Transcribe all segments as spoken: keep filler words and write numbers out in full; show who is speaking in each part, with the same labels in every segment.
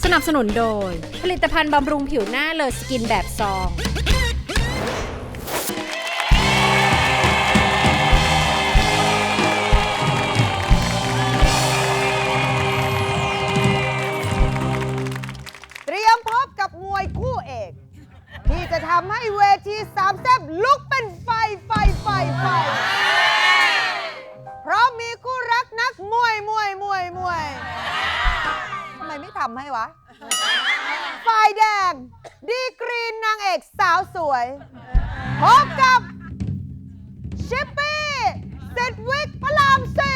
Speaker 1: นับสนุนโดยผลิตภัณฑ์บำรุงผิวหน้าเลอสกินแบบซอง
Speaker 2: เตรียมพบกับมวยคู่เอกที่จะทำให้เวทีสามแซ่บลุกเป็นไฟไฟไฟไฟเพราะมีคู่รักนักมวยมวยมวยมวยทำไมไม่ทำให้วะฝ่ายแดงดีกรีนนางเอกสาวสวยพบกับชิปปี้เซดวิกพระรามสี่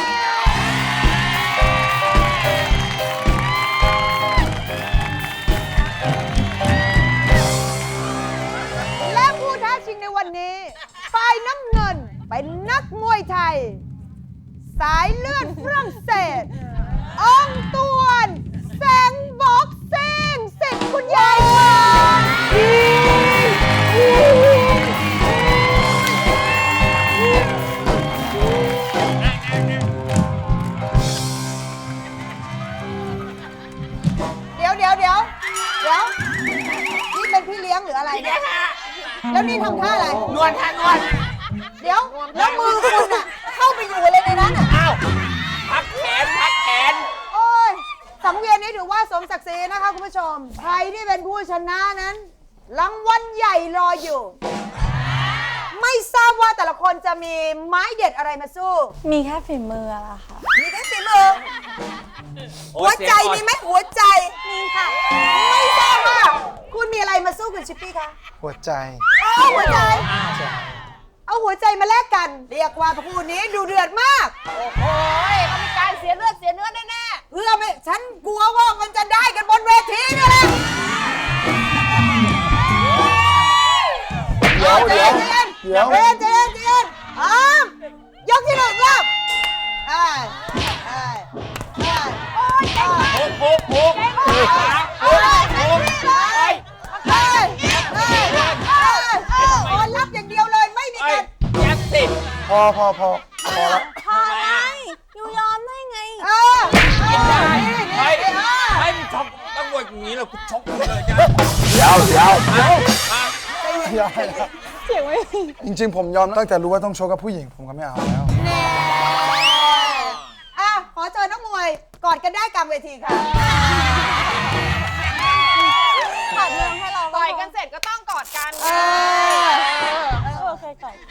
Speaker 2: และผู้ท้าชิงในวันนี้ฝ่ายน้ำเงินเป็นนักมวยไทยสายเลือดฝรั่งเศสองตวนแสงบ็อกซิ่งสิทธิ์คุณยายมาเดี๋ยวเดี๋ยวเดี๋ยวเดี๋ยวนี่เป็นพี่เลี้ยงหรืออะไรเนี่ยแล้วนี่ทำท่าอะไร
Speaker 3: นวดค่ะนวด
Speaker 2: เดี๋ยวแล้วมือคุณอะเข้าไปอยู่อะไรในนั้นอะ
Speaker 3: อ้าวพักแขนพักแขน
Speaker 2: โอ้ยสังเวียนนี้ถือว่าสมศักดิ์ศรีนะคะคุณผู้ชมใครที่เป็นผู้ชนะนั้นรางวัลใหญ่รออยู่ไม่ทราบว่าแต่ละคนจะมีไม้เด็ดอะไรมาสู้
Speaker 4: มีแค่ฝีมือละค่ะ
Speaker 2: มีแค่ฝีมือหัวใจมีไหมหัวใจมีค่ะไม่ทราบว่าคุณมีอะไรมาสู้คุณชิปปี้คะ
Speaker 5: หัวใจ
Speaker 2: เอาหัวใจเอาหัวใจมาแลกกันเรียกว่าคู่นี้ดูเดือดมากโอ้โหเขามีการเสียเลือดเสียเนื้อแน่ๆเพื่อไม่ฉันกลัวว่ามันจะได้กันบนเวทีนี่แหละเดี๋ยวเดี๋ยวเดี๋ยวเดี๋ยวเดี๋ยวเดี๋ยวอ้ามยกที่หนึ่งรอบไอ้ไอ้ไอ้โอ้ยเก่งมาก
Speaker 3: โอ้โหโอ้โหโอ้โหโอ้โหโอ้โห
Speaker 2: ไอ้ไอ้ไอ้โอ้รับอย่างเดียวเลยไม่มีการ
Speaker 3: แยัดสิ
Speaker 5: พอพอพอพอแล้ว
Speaker 4: พอไงยูยอมได้ไง
Speaker 2: เออ
Speaker 3: กินได้เฮ้ยเฮ้ยมึงชกต้องบวชอย่างนี้เหรอกูชกมึงเลยจ้ะ
Speaker 5: เดี๋ยวเดี๋ยวเดี๋ยว
Speaker 4: เสียงไม่
Speaker 5: จริงๆผมยอมตั้งแต่รู้ว่าต้องโชว์กับผู้หญิงผมก็ไม่เอาแล้ว
Speaker 2: แน่อ่ะขอเชิญนักมวยกอดกันได้กลางเวทีค่ะ
Speaker 4: ขาดเรื่องให้เรา
Speaker 6: ต่อยกันเสร็จก็ต้องกอดกัน
Speaker 2: เออ
Speaker 4: โอเคก่อน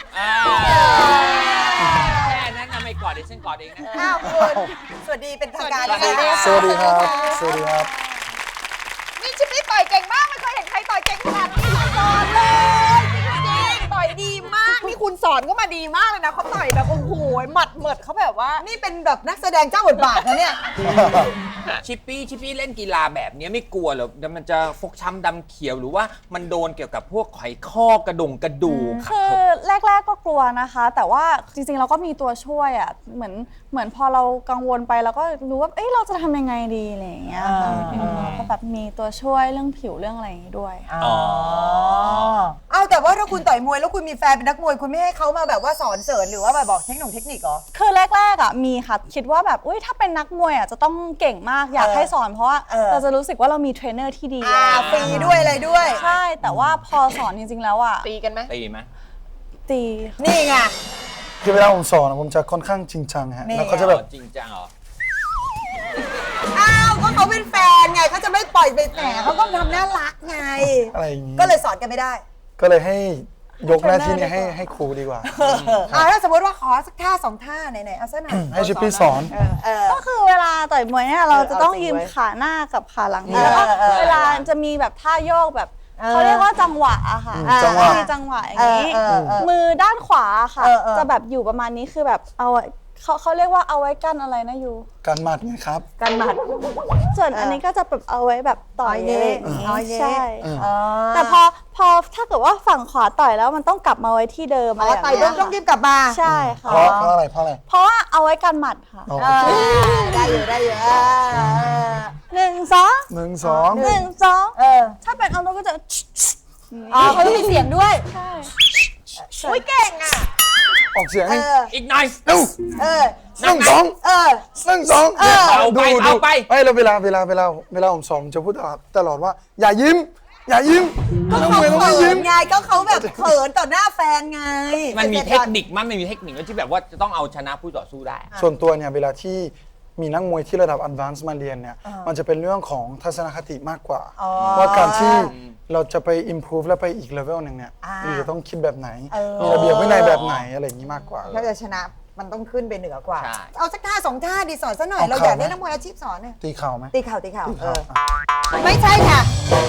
Speaker 3: แค่นั้นนะไม่กอดเดี๋ยวฉันกอดเองนะ
Speaker 2: อ้าวคุณสวัสดีเป็นทางการเลยค่ะ
Speaker 5: สวัสดีครับสวัสดีครับ
Speaker 6: นี่ชิปปี้ต่อยเก่งมากไม่เคยเห็นใครต่อยเก่งขนาดนี้มาก่อนเลยจริงๆต่อยดีมากนี่คุณสอนก็มาดีมากเลยนะเขาต่อยแบบโอ้โหหมัดเหมิดเขาแบบว่า
Speaker 2: นี่เป็นแบบนักแสดงเจ้าบทบาทนะเนี่ย
Speaker 3: ชิปปี้ชิปปี้เล่นกีฬาแบบนี้ไม่กลัวเหรอมันจะฟกช้ำดำเขียวหรือว่ามันโดนเกี่ยวกับพวกไขข้อกระดงกระดูก
Speaker 4: คือแรกๆก็กลัวนะคะแต่ว่าจริงๆเราก็มีตัวช่วยอ่ะเหมือนเหมือนพอเรากังวลไปเราก็รู้ว่าเอ้ยเราจะทำยังไงดีอะไรอย่างเงี้ยก็แบบมีตัวช่วยเรื่องผิวเรื่องอะไรอย่างงี้ด้วย
Speaker 2: อ๋อเอาแต่ว่าถ้าคุณต่อยมวยแล้วคุณมีแฟนเป็นนักมวยคุณไม่ให้เขามาแบบว่าสอนเสริญหรือว่าแบบบอกเทคนิคเทคนิคเหรอ
Speaker 4: คือแรกๆอ่ะมีค่ะคิดว่าแบบอุ้ยถ้าเป็นนักมวยอ่ะจะต้องเก่งมากอยากให้สอนเพราะว่าเราจะรู้สึกว่าเรามีเทรนเนอร์ที่ดี
Speaker 2: อ่าฟรีด้วยอะไรด้วย
Speaker 4: ใช่แต่ว่าพอสอนจริงๆแล้วอ่ะ
Speaker 6: ตีกันไหม
Speaker 3: ตีไหม
Speaker 4: ตี
Speaker 2: นี่ไง
Speaker 5: คือเวลาผมสอนผมจะค่อนข้างจริงจังฮะแล้วเขาจะแบบ
Speaker 3: จริงจังเหรอ
Speaker 2: อ้าวก็เขาเป็นแฟนไงเขาจะไม่ปล่อยไปแหมเขาต้องทำน่ารักไง
Speaker 5: อะไรอย่างงี้
Speaker 2: ก็เลยสอนกันไม่ได้
Speaker 5: ก็เลยให้ยกหน้าที่นี้ให้ให้ครูดีกว่า
Speaker 2: อ่าถ้าสมมติว่าขอสักท่าสองท่าไหนๆเอาซะหน่อย
Speaker 5: ให้ชิปปี้สอน
Speaker 4: ก็คือเวลาต่อยมวยเนี่ยเราจะต้องยืมขาหน้ากับขาหลังแล้วก็เวลาจะมีแบบท่าโยกแบบเขาเรียกว่าจังหวะอะค่ะมีจังหวะอย่างนี้มือด้านขวาค่ะจะแบบอยู่ประมาณนี้คือแบบเอาเขาเขาเรียกว่าเอาไว้กั้นอะไรนะยู
Speaker 5: กันหมัดไงครับ
Speaker 2: กันหมัด
Speaker 4: ส่วนอันนี้ก็จะแบบเอาไว้แบบต่อยเองใช่แต่พอพอถ้าเกิดว่าฝั่งขวาต่อยแล้วมันต้องกลับมาไว้ที่เดิมอะไร
Speaker 2: ต่อยต้องต้องรีบกลับมา
Speaker 4: ใช่ค่ะ
Speaker 5: เพราะเพราะอะไรเพราะอะไร
Speaker 4: เพราะว่าเอาไว้กันหมัดค่ะ
Speaker 2: ได้อยู่ได้อยู่
Speaker 4: หนึ่งสอง
Speaker 5: หนึ่งสอง
Speaker 4: หนึ่งสองถ้าเป็นเอาเราก็จะ
Speaker 2: อ๋อเขาต้องมีเสียงด้วย
Speaker 4: ใช่
Speaker 6: อุ้ยเก่งอ่ะ
Speaker 5: ออกเสียง
Speaker 2: เอ
Speaker 5: ให้
Speaker 2: อ
Speaker 3: อีกหน่อย
Speaker 5: เอ้า
Speaker 2: เออ
Speaker 5: หนึ่งสอง
Speaker 2: เออ
Speaker 5: หนึ่งสอง
Speaker 2: เออ
Speaker 3: เอาไป
Speaker 5: ดูดู
Speaker 3: เอาไป
Speaker 5: ไม่แล้วเวลาเวลาเวลาเวลาผมสอนผมจะพูดตลอดตลอดว่า อย่ายิ้ม อย่ายิ้ม
Speaker 2: ก็
Speaker 5: นัก
Speaker 2: เขา
Speaker 5: มวยต้อง
Speaker 2: เขิ
Speaker 5: ไม่ยิ้
Speaker 2: น
Speaker 5: ม
Speaker 2: ไงก็เขาแบบเขินต่อหน้าแฟนไง
Speaker 3: มันมีเทคนิคมั้ยมันมีเทคนิคที่แบบว่าจะต้องเอาชนะผู้ต่อสู้ได้
Speaker 5: ส่วนตัวเนี่ยเวลาที่มีนักมวยที่ระดับ advanced มาเรียนเนี่ยมันจะเป็นเรื่องของทัศนคติมากกว่า
Speaker 2: อ๋อ
Speaker 5: ว่าการที่เราจะไป improve แล้วไปอีกเลเวลหนึ่งเนี่ย
Speaker 2: อ่า
Speaker 5: เราจะต้องคิดแบบไหน
Speaker 2: เออ
Speaker 5: มีระเบียบวินัยแบบไหนอะไรอย่างนี้มากกว่า
Speaker 2: ถ้าจะชนะมันต้องขึ้นไปเหนือกว่า
Speaker 3: ใช่
Speaker 2: เอาสักท่าสองท่าดีสอนซะหน่อย
Speaker 5: เอา
Speaker 2: เราอยาก
Speaker 5: เข่าไหม
Speaker 2: ได้นักมวยอาชีพสอนเนี่ย
Speaker 5: ตีเข่าไหม
Speaker 2: ตีเข่าตีเข่า
Speaker 5: ตี
Speaker 2: เอ
Speaker 5: เข่า
Speaker 2: อ
Speaker 5: อ่ะ
Speaker 2: ไม่ใช่ค่ะ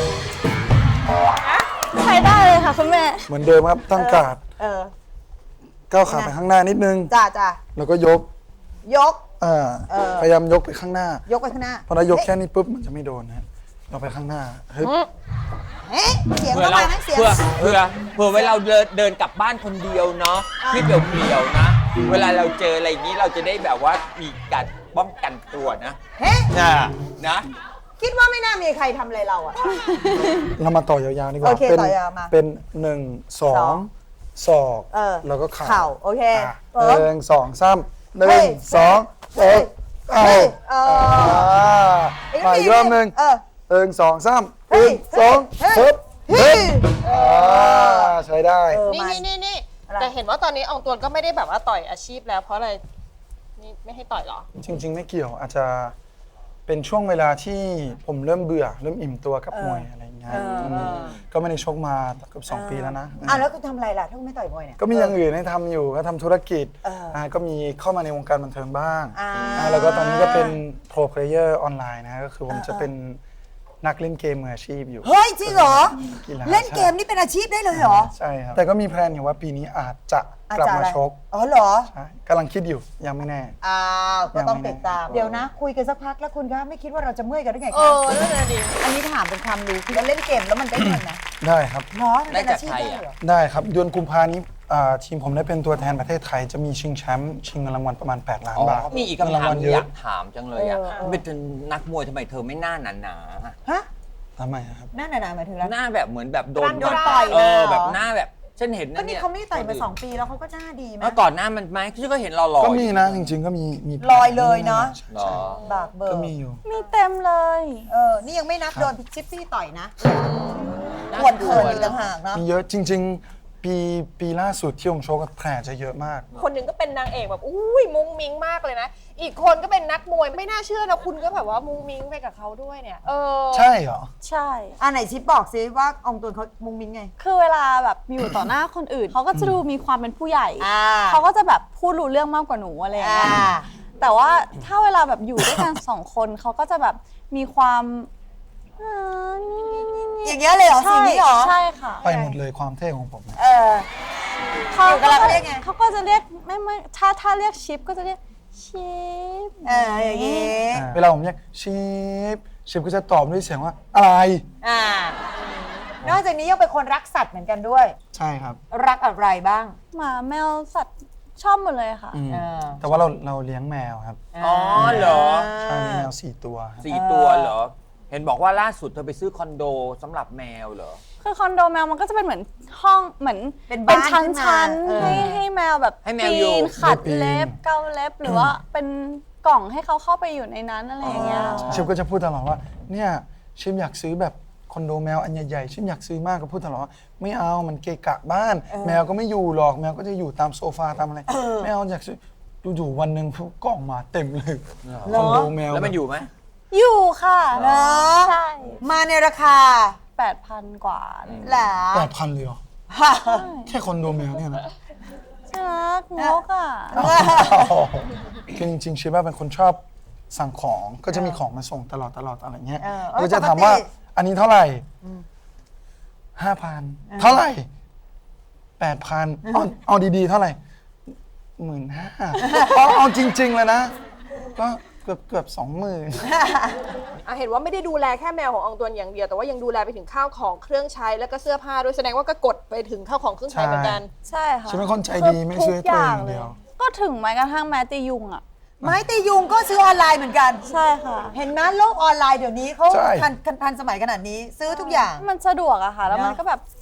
Speaker 4: ใช้ได้เลยค่ะคุณแม่
Speaker 5: เหมือนเดิมครับตั้งการ์ด
Speaker 2: เออ
Speaker 5: ก้าวขาไปข้างหน้านิดนึง
Speaker 2: จ้าจ้า
Speaker 5: แล้วก็ยก
Speaker 2: ยก
Speaker 5: อ่า
Speaker 2: เออ
Speaker 5: พยายามยกไปข้างหน้าย
Speaker 2: กไปข้างหน้า
Speaker 5: พอเรายกแค่นี้ปุ๊บมันจะไม่โดนนะเราไปข้างหน้าเฮ้ย
Speaker 2: เอ๊ะเสียง
Speaker 3: เพื่อ
Speaker 2: เข้า
Speaker 3: เรา
Speaker 2: มานะเสียง
Speaker 3: เพื่อเพื่อเพื่อเวลาเราเดินเดินกลับบ้านคนเดียวเนาะที่เปลี่ยวๆนะ เวลาเราเจออะไรอย่างนี้เราจะได้แบบว่ามีการป้องกันตัวนะ
Speaker 2: เฮ้ย
Speaker 3: นะนะ
Speaker 2: คิดว่าไม่น่ามีใครทำอะไรเราอะ
Speaker 5: เรามาต่อยาวๆดีกว่า
Speaker 2: โอเค
Speaker 5: เป็น
Speaker 2: ต่อยาวมา
Speaker 5: เป็นหนึ่งสอ
Speaker 2: สอง ง
Speaker 5: ศอก
Speaker 2: เออ
Speaker 5: แล้วก็เข่า
Speaker 2: เข่าโอเค
Speaker 5: อ่ะ
Speaker 2: เออ
Speaker 5: หนึ่งสองสามหนึ่
Speaker 2: เฮ้
Speaker 5: ง
Speaker 2: ย
Speaker 5: สอง
Speaker 2: เฮ้
Speaker 5: เอ้
Speaker 2: ย
Speaker 5: ยเอา
Speaker 2: เฮ้ยเออ
Speaker 5: อ่ามาอีกรอบหนึ่ง
Speaker 2: เออ
Speaker 5: หนึ่งสองสาม
Speaker 2: เฮ้
Speaker 5: ห
Speaker 2: ย
Speaker 5: นึ่งสอง
Speaker 2: เฮ้ย
Speaker 5: ปึ๊บ
Speaker 2: เฮ้ย
Speaker 5: อ่าใช้ได้
Speaker 2: เออ
Speaker 6: นี่
Speaker 2: มา
Speaker 6: นี่นี่นี่
Speaker 2: อะไร
Speaker 6: แต่เห็นว่าตอนนี้อองตวนก็ไม่ได้แบบว่าต่อยอาชีพแล้วเพราะอะไรนี่ไม่ให้ต่อยเหรอ
Speaker 5: จริง ๆ ไม่เกี่ยวอาจจะเป็นช่วงเวลาที่ผมเริ่มเบื่อ เริ่มอิ่มตัวกับมวยอะไรอย่างเงี้ย
Speaker 2: เออเออ
Speaker 5: มก็ไม่ได้ชกมาเกือบสองปีแล้วนะ
Speaker 2: อ่ะแล้วคุณทำอะไรล่ะถ้าคุณไม่ต่อยมวยเนี่ย
Speaker 5: ก็มีอย่างอื่นให้ทำอยู่ก็ทำธุรกิจ
Speaker 2: เอออ่
Speaker 5: าก็มีเข้ามาในวงการบันเทิงบ้าง
Speaker 2: อ่า
Speaker 5: อ่าแล้วก็ตอนนี้ก็เป็นโปรเพลเยอร์ออนไลน์นะก็คือผมจะเป็นนักเล่นเกมมืออาชีพอยู่
Speaker 2: เฮ้ยจริงเหรอ
Speaker 5: กีฬา
Speaker 2: เล่นเกมนี่เป็นอาชีพได้เลยเหรอ
Speaker 5: ใช่ครับแต่ก็มีแพลนอยู่ว่าปีนี้อาจจะ
Speaker 2: อาจ
Speaker 5: กลับ
Speaker 2: จะอะ
Speaker 5: มา
Speaker 2: ไร
Speaker 5: ชก
Speaker 2: อ๋อเหรอ
Speaker 5: ใช่กำลังคิดอยู่ยังไม่แน่
Speaker 2: อ้าวก็ต้อง
Speaker 5: ยังไม่
Speaker 2: ติดตาม
Speaker 5: แน่
Speaker 2: เดี๋ยวนะ คุยกันสักพักแล้วคุณคะไม่คิดว่าเราจะเมื่อยกันได้ไง
Speaker 6: เอ
Speaker 2: คะ
Speaker 6: อนั่นแหละดิ
Speaker 2: อันนี้ถามเป็นความรู้คือเราเล่นเกมแล้วมันได้เงินนะ
Speaker 5: ได้ครับ
Speaker 2: เนาะมันเป็นอาชีพได้เหรอ
Speaker 5: ได้ครับเดือนกุมภานี้อ่าทีมผมได้เป็นตัวแทนประเทศไทยจะมีชิงแชมป์ชิงเงินรางวัลประมาณแปดล้านบาท
Speaker 3: มีอีก
Speaker 5: เงิน
Speaker 3: คำ
Speaker 5: ราง
Speaker 3: ถาม
Speaker 5: วัล
Speaker 3: ที่
Speaker 5: เย
Speaker 3: อ
Speaker 5: อะ
Speaker 3: ยากถามจังเลยอ่ะ
Speaker 2: เออ
Speaker 3: เป็นนักมวยทำไมเธอไม่หน้าหนาๆอะ
Speaker 2: ฮะ
Speaker 5: ทำไมอะครับ
Speaker 2: หน้าหนาๆหมายถึงแล้ว
Speaker 3: หน้าแบบเหมือนแบบโดน
Speaker 2: โดนต่อย
Speaker 3: เออ
Speaker 2: มาเหรอ
Speaker 3: แบบหน้าแบบฉันเห็น
Speaker 2: ก็
Speaker 3: นะ
Speaker 2: นี่
Speaker 3: เนี่ย
Speaker 2: เขาไม่ได้ต่อยมาสองปีแล้วเขาก็หน้าดีไหม
Speaker 3: เมื่อก่อนหน้ามันไหมฉันก็เห็นเราหล่อ
Speaker 5: ก็
Speaker 3: ๆ
Speaker 5: มีนะจริง ๆ ก็มีมี
Speaker 2: ลอยเลยเนาะ
Speaker 5: ใช่
Speaker 3: หรอ
Speaker 2: บากเบอร์
Speaker 5: ก็มีอยู่
Speaker 4: มีเต็มเลย
Speaker 2: เออนี่ยังไม่นับโดนชิปปี้ต่อยนะควรเขินอีกต่างหากเนาะ
Speaker 5: มีเยอะจริง ๆ ปีปีล่าสุดที่ผมโชว์กับแผลจะเยอะมาก
Speaker 6: คนหนึ่งก็เป็นนางเอกแบบอุ้ยมุ้งมิ้งมากเลยนะ อีกคนก็เป็นนักมวยไม่น่าเชื่อนะคุณก็แบบว่ามุ้งมิ้งไปกับเขาด้วยเนี่ย เออ
Speaker 5: ใช่เหรอ
Speaker 4: ใช่
Speaker 2: อ่ะไหนชิปบอกซิว่าอองตวนเขามุงมิ้งไง
Speaker 4: คือเวลาแบบอยู่ต่อหน้าคนอื่น เขาก็จะดูมีความเป็นผู้ใหญ่
Speaker 2: อ่า
Speaker 4: เขาก็จะแบบพูดรู้เรื่องมากกว่าหนูอะไรอย่างเงี้ย
Speaker 2: อ่า
Speaker 4: แต่ว่าถ้าเวลาแบบอยู่ด้วยกัน สองคนเขาก็จะแบบมีความอ่านี่นี่นี่นี่
Speaker 2: อย่างเงี้ยเลยเหรอสิ่งนี้เหรอ
Speaker 4: ใช่ค่ะ
Speaker 5: ไปหมดเลยความเท่ของผมนะ
Speaker 2: เออ
Speaker 4: เขา
Speaker 2: อยู่กับเราเขาเรียกไง
Speaker 4: เขาก็จะเรียกไม่ไม่ถ้าถ้าเรียกชิปก็จะเรียกชิป
Speaker 2: เอออย่างงี้
Speaker 5: เวลาผมเรียกชิปชิปก็จะตอบด้วยเสียงว่าอะไร
Speaker 2: อ่านอกจากนี้ยังเป็นคนรักสัตว์เหมือนกันด้วย
Speaker 5: ใช่ครับ
Speaker 2: รักอะไรบ้าง
Speaker 4: หมาแมวสัตว์ชอบหมดเลยค่ะ
Speaker 5: อืม
Speaker 2: เออ
Speaker 5: แต่ว่าเราเราเลี้ยงแมวครับ
Speaker 3: อ๋อเหรอ
Speaker 5: ใช่มีแมวสี่ตัวครับ
Speaker 3: สี่ตัวเหรอ เห็นบอกว่าล่าสุดเธอไปซื้อคอนโดสำหรับแมวเหรอ
Speaker 4: คือคอนโดแมวมันก็จะเป็นเหมือนห้องเหมือน
Speaker 2: เป็นบ้าน
Speaker 4: ชั้น
Speaker 2: ขึ้นมา
Speaker 4: ชั้น
Speaker 2: เออ
Speaker 4: ให้ให้แมวแบบ
Speaker 3: ให้แมวอยู่
Speaker 4: ปีนขัด
Speaker 5: ได้ปีน
Speaker 4: เล็บเกาเล็บหรือว่าเป็นกล่องให้เขาเข้าไปอยู่ในนั้นอะไรอย่างเงี้ย
Speaker 5: ชิปก็จะพูดตลอดว่าเนี่ยชิปอยากซื้อแบบคอนโดแมวอันใหญ่ๆชิปอยากซื้อมากก็พูดตลอดว่าไม่เอามันเกะกะบ้าน แมวก็ไม่อยู่หรอกแมวก็จะอยู่ตามโซฟาตามอะไรไม่เอาอยากซื้ออยู่ๆวันหนึ่งกล่องมาเต็มเลยคอนโดแมว
Speaker 3: แล้วมันอยู่ไหม
Speaker 4: อยู่ค่ะ
Speaker 2: เนาะ
Speaker 4: ใช่
Speaker 2: มาในราคา
Speaker 4: แปดพันกว่าอะไรอย่างเงี้ย
Speaker 2: แหละ
Speaker 5: แปดพันเลยเหรอแค่คอนโดแมวเนี่ยนะ
Speaker 4: ใช่ไหมงกอ่ะ
Speaker 5: คือจริงๆชิปว่าเป็นคนชอบสั่งของก็จะมีของมาส่งตลอดตลอดอะไรเงี้ย
Speaker 2: เออ
Speaker 5: ก็จะถามว่าอันนี้เท่าไหร่ห้าพันเท่าไหร่แปดพันเอาเอาดีๆ เท่าไหร่หมื่นห้าเอาเอาจริง ๆ เลยนะ ก็เกือบเกือบสองหมื่น
Speaker 6: อ่ะเห็นว่าไม่ได้ดูแลแค่แมวของอองตวนอย่างเดียวแต่ว่ายังดูแลไปถึงข้าวของเครื่องใช้แล้วก็เสื้อผ้าด้วยแสดงว่าก็กดไปถึงข้าวของเครื่องใช้เหมือนกัน
Speaker 4: ใช่ค่ะ
Speaker 5: ฉันเป็นคนใจดีไม่ช่วยตัวเองอย่างเดียว
Speaker 4: ก็ถึงแม้กระทั่งแม้ตียุงอ่ะ
Speaker 2: ไม้ตียุงก็ซื้อออนไลน์เหมือนกัน
Speaker 4: ใช่ค่ะ
Speaker 2: เห็นไหมโลกออนไลน์เดี๋ยวนี้เขา
Speaker 5: ใช่
Speaker 2: ทันทันทันสมัยขนาดนี้ซื้อทุกอย่าง
Speaker 4: มันสะดวกอะค่ะ แล้วมัน
Speaker 2: เนอะ
Speaker 4: ก็แบบ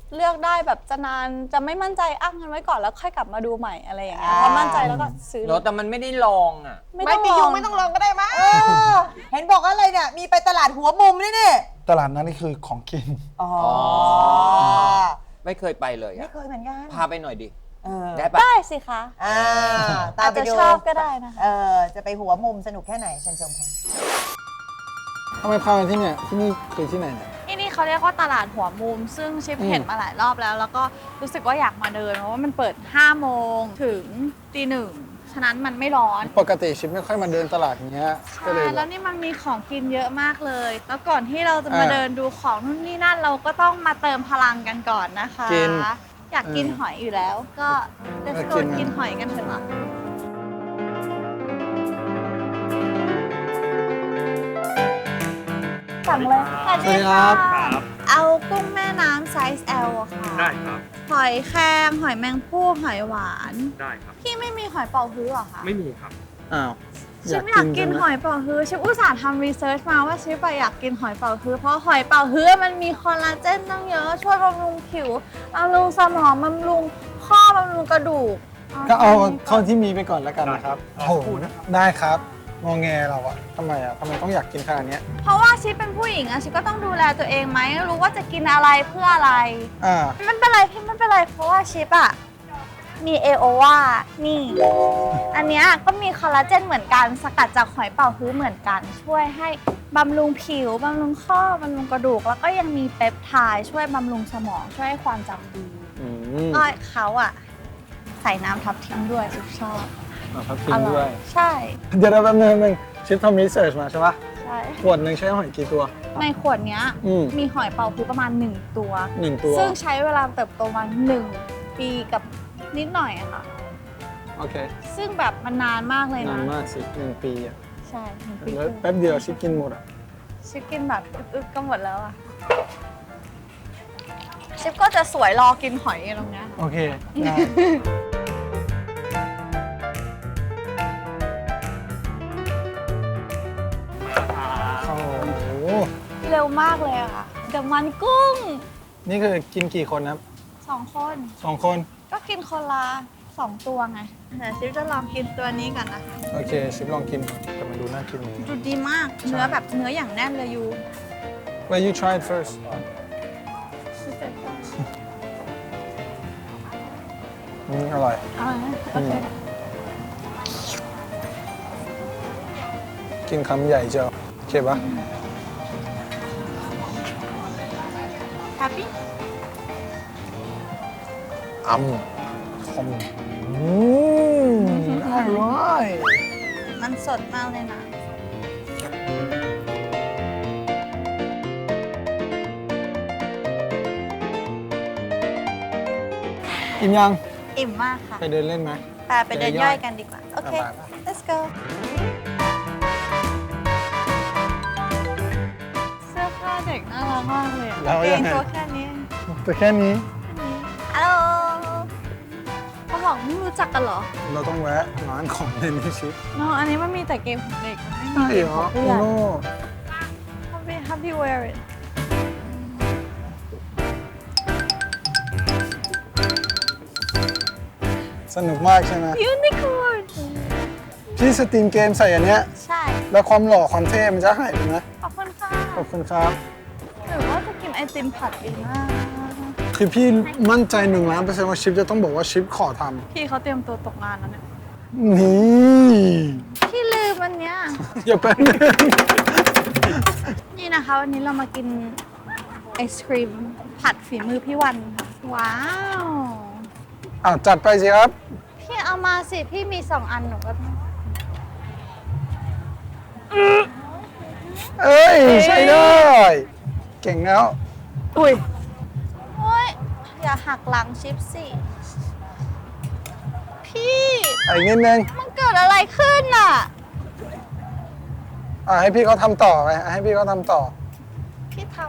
Speaker 4: เลือกได้แบบจะนานจะไม่มั่นใจอ้างเงินไว้ก่อนแล้วค่อยกลับมาดูใหม่อะไรอย่างเงี้ยพอมั่นใจแล้วก็ซื้อ
Speaker 3: รถแต่มันไม่ได้ลองอ่ะ
Speaker 4: ไม่
Speaker 6: ไม่
Speaker 4: ต้อง
Speaker 6: มี
Speaker 4: ล
Speaker 6: ยุ
Speaker 4: อง ง
Speaker 6: ไม่ต้องลองก็ได้มั้ง
Speaker 2: เออเห็นบอกอะไรเนี่ย มีไปตลาดหัวมุมนี่นี่
Speaker 5: ตลาดนั้นนี่คือของกิน
Speaker 2: อ๋อ
Speaker 3: ไม่เคยไปเลย
Speaker 2: ไม่
Speaker 3: อ่ะ
Speaker 2: เคยเหมือนกัน
Speaker 3: พาไปหน่อยดิ
Speaker 2: เออ
Speaker 3: ได้ปะ
Speaker 4: ได้สิคะ
Speaker 2: อ่าตา
Speaker 4: อาม จ
Speaker 2: ไป
Speaker 4: จะ
Speaker 2: ดู
Speaker 4: ชอบก็ได้นะคะ
Speaker 2: เออจะไปหัวมุมสนุกแค่ไหนเชิญชมค่ะ
Speaker 5: ทำไมพามาที่เนี่ยที่นี่คือที่ไหนเนี่ย
Speaker 4: ที่นี่เขาเรียกว่าตลาดหัวมุม ซึ่งชิป
Speaker 5: อืม
Speaker 4: เห็นมาหลายรอบแล้ว แล้วก็รู้สึกว่าอยากมาเดินเพราะว่ามันเปิดห้าโมงถึงตีหนึ่งฉะนั้นมันไม่ร้อน
Speaker 5: ปกติชิปไม่ค่อยมาเดินตลาดเนี้ยก็เลย
Speaker 4: ใช่
Speaker 5: แบ
Speaker 4: แล้ว
Speaker 5: บ
Speaker 4: นี่มันมีของกินเยอะมากเลย แล้วก่อนที่เราจะมา
Speaker 5: อ่า
Speaker 4: เดินดูของนู่นนี่นั่นเราก็ต้องมาเติมพลังกันก่อนนะคะ
Speaker 5: กิน
Speaker 4: อยากกิน
Speaker 5: เออ
Speaker 4: หอยอยู่แล้ว ก็ let's
Speaker 5: เออ
Speaker 4: go
Speaker 5: กินนะ
Speaker 4: กินหอยกันเถอะค่ะสั่งเลยสวัส
Speaker 5: สวัสดีครับ
Speaker 4: เอากุ้งแม่น้ำไซส์ L อะค่ะ
Speaker 7: ได้ครับ
Speaker 4: หอยแครงหอยแมงภู่หอยหวาน
Speaker 7: ได้ครับ
Speaker 4: พี่ไม่มีหอยเป่าฮื้อเหรอคะ
Speaker 7: ไม่มีครับ
Speaker 5: อ้าว
Speaker 4: ชิปอยากกินหอยเป่าฮื้อชิปอุตส่าห์ทำรีเสิร์ชมาว่าชิปอะอยากกินหอยเป่าฮื้อเพราะหอยเป่าฮื้อมันมีคอลลาเจนตั้งเยอะช่วยบำรุงผิวบำรุงสมองบำรุงข้อบำรุงกระดูก
Speaker 5: ก็เอา
Speaker 4: แค่นี้
Speaker 5: เท่าที่มีไปก่อนแล้วกันนะครับ
Speaker 7: ได้
Speaker 5: โอ้โหได้ครับงอแงเราอะทำไมอะทำไมต้องอยากกินขนาดเนี้ย
Speaker 4: เพราะว่าชิปเป็นผู้หญิงอะชิปก็ต้องดูแลตัวเองไหมรู้ว่าจะกินอะไรเพื่ออะไร
Speaker 5: อ่า
Speaker 4: มันเป็นไรพี่มันเป็นไรเพราะว่าชิปอะมีเอโอวานี่ อันเนี้ยก็มีคอลลาเจนเหมือนกันสกัดจากหอยเป่าฮื้อเหมือนกัน ช่วยให้บำรุงผิวบำรุงข้อบำรุงกระดูก แล้วก็ยังมีเปปไทด์ช่วยบำรุงสมองช่วยให้ความจำดี
Speaker 5: อืม
Speaker 4: อ้อยเขาอะใส่น้ำทับทิมด้วยชิปชอบ
Speaker 5: อ่าพักกินด้วย
Speaker 4: ใช่
Speaker 5: เดี๋ยวเราแป๊บนึงแป๊บนึงชิปทำรีเสิร์ชมาใช่ปะ
Speaker 4: ใช่
Speaker 5: ขวดหนึ่งใช้หอยกี่ตัว
Speaker 4: ในขวดเนี้ย
Speaker 5: อืม
Speaker 4: มีหอยเป่าฮื้อประมาณ หนึ่ง ตัว
Speaker 5: หนึ่งตัว
Speaker 4: ซึ่งใช้เวลาเติบโตมาหนึ่งปีกับนิดหน่อยอะค่ะ
Speaker 5: โอเค
Speaker 4: ซึ่งแบบมันนานมากเลย
Speaker 5: นา
Speaker 4: นะ
Speaker 5: นมากสิหนึ่งปีอะ
Speaker 4: ใช่หนึ่งปี
Speaker 5: แล้วแป๊บเดียวชิปกินหมดอะ
Speaker 4: ชิปกินแบบอึ๊บๆก็หมดแล้วอะชิปก็จะสวยรอกินหอยตรงเนี้ย
Speaker 5: โอเคได้โอ้โห
Speaker 4: เร็วมากเลยอะค่ะเดี๋ยวมันกุ้ง
Speaker 5: นี่คือกินกี่คนนะครับ
Speaker 4: สองคน
Speaker 5: สองคน
Speaker 4: ก็กินคนละสองตัวไงเดี๋ยวชิปจะลองกินตัวนี้ก่อนนะคะ
Speaker 5: โอเคชิปลองกินก่อนแต่มันดูน่ากินเลย
Speaker 4: ดูดีมาก เนื้อแบบเนื้ออย่างแน่นเลยยู
Speaker 5: Well you try it first อืมอร่อย
Speaker 4: เอาละโอเค
Speaker 5: กินคำใหญ่เจ้าโอเคปะ
Speaker 4: แฮปปี้
Speaker 5: อืมคมอืมอร่อย
Speaker 4: มันสดมากเลยนะ
Speaker 5: อิ่มยัง
Speaker 4: อิ่มมากค่ะ
Speaker 5: ไปเดินเล่นไหม
Speaker 4: ไปไปเดินย่อยกันดีกว่า โอเค
Speaker 5: ไปไป
Speaker 4: let's go เสื้อผ้าเด็กน่ารักมากเลยอะ
Speaker 5: แล้ว
Speaker 4: เก
Speaker 5: ยัง
Speaker 4: ง
Speaker 5: ไง
Speaker 4: ตัวแค่นี้
Speaker 5: แต่แค่นี้
Speaker 4: ฮัลโหลเขาบอกไม่รู้จักกันเหรอ
Speaker 5: เราต้องแวะร้านของเล่นให้ชิป
Speaker 4: น้องอันนี้มันมีแต่เกมของเด็กมันไม่มี
Speaker 5: ใช่
Speaker 4: เกม
Speaker 5: เหร
Speaker 4: ข
Speaker 5: อ
Speaker 4: อง
Speaker 5: โอ้
Speaker 4: ผู้ใหญ่
Speaker 5: โห
Speaker 4: Happy Happy wear it
Speaker 5: สนุกมากใช่ไหม
Speaker 4: Unicorn
Speaker 5: พี่สตรีมเกมใส่อันเนี้ย
Speaker 4: ใช่
Speaker 5: แล้วความหล่อความเท่มันจะหายไปไหม
Speaker 4: ขอบคุณค่ะ
Speaker 5: ขอบคุณครับ
Speaker 4: หรือว่าจะกินไอติมผัดดีมาก
Speaker 5: คือพี่มั่นใจหนึ่งล้านเปอร์เซ็นต์ว่าชิปจะต้องบอกว่าชิปขอท
Speaker 4: พี่เขาเตรียมตัวตกงานแล้วเนี่ย
Speaker 5: ำนี่
Speaker 4: พี่ลืมอันเนี้ย
Speaker 5: อย่าแป๊บนึง
Speaker 4: นี่นะคะ วันนี้เรามากินไอศครีมผัดฝีมือพี่วันค่ะว้าว
Speaker 5: อ่ะจัดไปสิครับ
Speaker 4: พี่เอามาสิ พี่มีสองอันหนูก็
Speaker 5: เอ้ย ใช้ได้ เก่งแล้ว
Speaker 4: อุ้ยโอ้ยอย่าหักหลังชิปสิ พี่
Speaker 5: อีกนิดนึง
Speaker 4: มันเกิดอะไรขึ้นน่ะ
Speaker 5: อ่ะให้พี่เขาทำต่อไปอ่ะให้พี่เขาทำต่อ
Speaker 4: พี่ท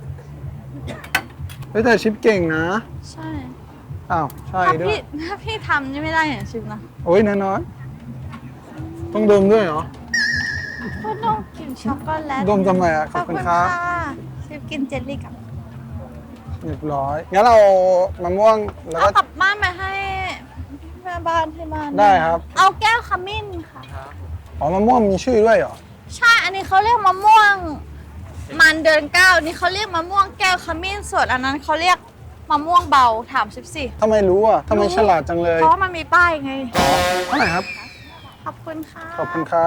Speaker 5: เฮ้ยแต่ชิปเก่งนะ
Speaker 4: ำใช่
Speaker 5: อ้าวใช่
Speaker 4: ถ้า
Speaker 5: ด้ว
Speaker 4: พี่
Speaker 5: ย
Speaker 4: ถ้าพี่ทำนี่ไม่ได้อย่างชิปนะ
Speaker 5: โอ้ยน้อยๆต้องดมด้วยเหรอ
Speaker 4: ก็ต้องกินช็อกโกแลต
Speaker 5: ดมทำไมอ่ะขอบคุณครับ
Speaker 4: ชิปกินเจลลี่กับ
Speaker 5: เรียบร้อยงั้นเรามะม่วงแล้ว
Speaker 4: เอา
Speaker 5: ก็
Speaker 4: กลับบ้านไปให้แม่บ้านที่บ้าน
Speaker 5: ได้ครับ
Speaker 4: เอาแก้วขมิ้นค่ะ
Speaker 5: อ๋อมะม่วงมีชื่อด้วยเหรอ
Speaker 4: ใช่อันนี้เขาเรียกมะม่วงมันเดือนเก้าอันนี้เขาเรียกมะม่วงแก้วขมิ้นส่วนอันนั้นเขาเรียกมะม่วงเบาถามสิบสี่
Speaker 5: ทำไมรู้อ่ะทำไมฉลาดจังเลย
Speaker 4: เพราะว่ามันมีป้ายไง
Speaker 5: เท่าไหร่ครับ
Speaker 4: ขอบคุณค่ะ
Speaker 5: ขอบคุณครับ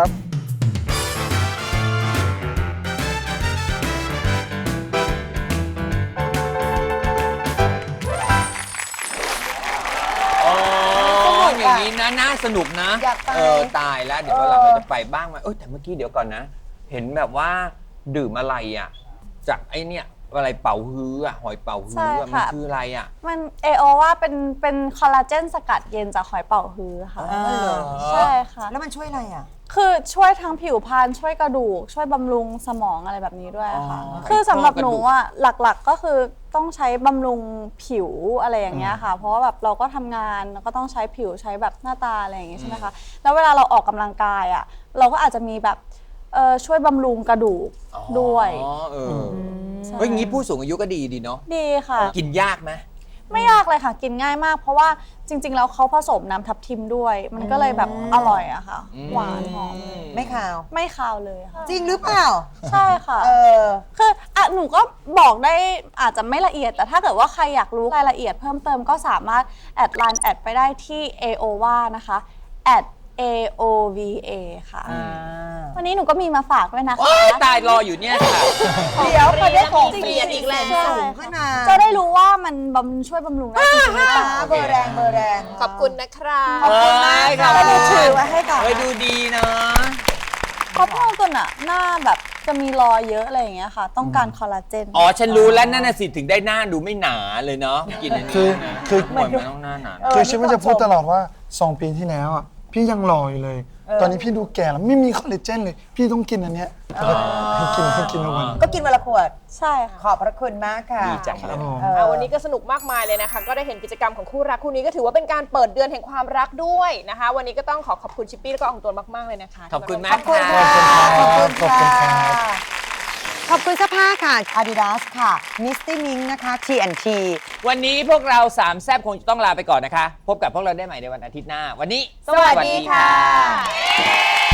Speaker 3: อ๋ออย่างนี้นะน่าสนุกนะ
Speaker 2: อยากไป
Speaker 3: เออตายแล้วเดี๋ยววันหลังเราจะไปบ้างไหมเอ้ยแต่เมื่อกี้เดี๋ยวก่อนนะ เห็นแบบว่าดื่มอะไรอ่ะ จากไอ้เนี่ยอะไรเป่าฮื้ออะหอยเป่าฮื้ออะมันคืออะไรอ่ะ
Speaker 4: มันเอโอว่าเป็นเป็นคอลลาเจนสกัดเย็นจากหอยเป๋าฮื้อค่ะ
Speaker 2: อ๋อเหรอ
Speaker 4: ใช่ค่ะ
Speaker 2: แล้วมันช่วยอะไรอ่ะ
Speaker 4: คือช่วยทั้งผิวพรรณช่วยกระดูก ช่วยบำรุงสมองอะไรแบบนี้ด้วยค่ะ
Speaker 3: อ๋อ
Speaker 4: คือสำหรับหนูอ่ะหลักๆก็คือต้องใช้บำรุงผิวอะไรอย่างเงี้ยค่ะ เพราะว่าแบบเราก็ทำงานแล้วก็ต้องใช้ผิวใช้แบบหน้าตาอะไรอย่างงี้ใช่ไหมคะแล้วเวลาเราออกกำลังกายอ่ะเราก็อาจจะมีแบบเออช่วยบำรุงกระดูกด้วย
Speaker 3: อ๋อเออ
Speaker 4: ใช่
Speaker 3: เฮ้ยงี้ผู้สูงอายุก็ดีดีเนาะ
Speaker 4: ดีค่ะ
Speaker 3: กินยากไหม
Speaker 4: ไม่ยากเลยค่ะ กินง่ายมาก เพราะว่าจริง ๆ แล้วเขาผสมน้ำทับทิมด้วย มันก็เลยแบบอร่อยอะค่ะ หวานหอม
Speaker 2: ไม่ข่าว
Speaker 4: ไม่คาวเลยค่ะ
Speaker 2: จริงหรือเปล่า
Speaker 4: ใช่ค่ะ
Speaker 2: เออ
Speaker 4: คืออ่ะหนูก็บอกได้อาจจะไม่ละเอียด แต่ถ้าเกิดว่าใครอยากรู้รายละเอียดเพิ่มเติมก็สามารถแอดไลน์แอดไปได้ที่ เอ โอ วา นะคะแอด เอ โอ วี เอ ค่ะ วันนี้หนูก็มีมาฝากด้วยนะคะ
Speaker 3: โอ้ยตายรออยู่เนี่ยค่ะ
Speaker 2: เดี๋ยวประเด็นของ
Speaker 6: เปลี่ยนอีกแล้ว
Speaker 2: สูงขึ้นมา
Speaker 4: จะได้รู้ว่ามันบำช่วยบำรุงได้จริงๆหรือเปล่า
Speaker 2: เบอร์แรงเบอร์แรง
Speaker 6: ขอบคุณนะครับ
Speaker 3: ขอบคุณมากค่ะ
Speaker 4: แล้วหนูถือไว้ให้ก่อน
Speaker 3: เฮ้ยดูดีนะ
Speaker 4: เพราะพวกตัวน่ะหน้าแบบจะมีรอยเยอะอะไรอย่างเงี้ยค่ะ ต้องการคอลลาเจน
Speaker 3: อ๋อ ฉันรู้แล้วนั่นน่ะสิถึงได้หน้าดูไม่หนาเลยเนาะกินอัน
Speaker 5: คื
Speaker 3: นี้
Speaker 5: อ
Speaker 3: นะ
Speaker 5: คือ
Speaker 3: เหมือนมันต้องหน้าหนา
Speaker 5: คือชิมันจะพูดตลอดว่าสองปีที่แล้วอ่ะพี่ยังหล่ออยู่เลย ตอนนี้พี่ดูแก่แล้วไม่มีคอลลาเจนเลย พี่ต้องกินอันเนี้ยให้กินให้กินทุกวัน
Speaker 2: ก็กินวันละขวด
Speaker 4: ใช่ค่ะ
Speaker 2: ขอบพระคุณมากค่ะ
Speaker 3: ดีจังเลย
Speaker 2: เออ
Speaker 6: เอาวันนี้ก็สนุกมากมายเลยนะคะ ก็ได้เห็นกิจกรรมของคู่รักคู่นี้ก็ถือว่าเป็นการเปิดเดือนแห่งความรักด้วยนะคะ วันนี้ก็ต้องขอขอบคุณชิปปี้แล้วก็อองตวนมากๆเลยนะคะ
Speaker 3: ขอบคุณ
Speaker 2: ข
Speaker 3: มา
Speaker 2: อก บคุณ
Speaker 3: ค่ะ
Speaker 2: ค่ะ
Speaker 5: ขอบคุณครับขอบคุณครับ
Speaker 2: ขอบคุณเสื้อผ้าค่ะ Adidas ค่ะ Misty Mink นะคะ ที แอนด์ ที
Speaker 3: วันนี้พวกเราสามแซบคงจะต้องลาไปก่อนนะคะ พบกับพวกเราได้ใหม่ในวันอาทิตย์หน้า วันนี้
Speaker 2: สวัสดีค่ะ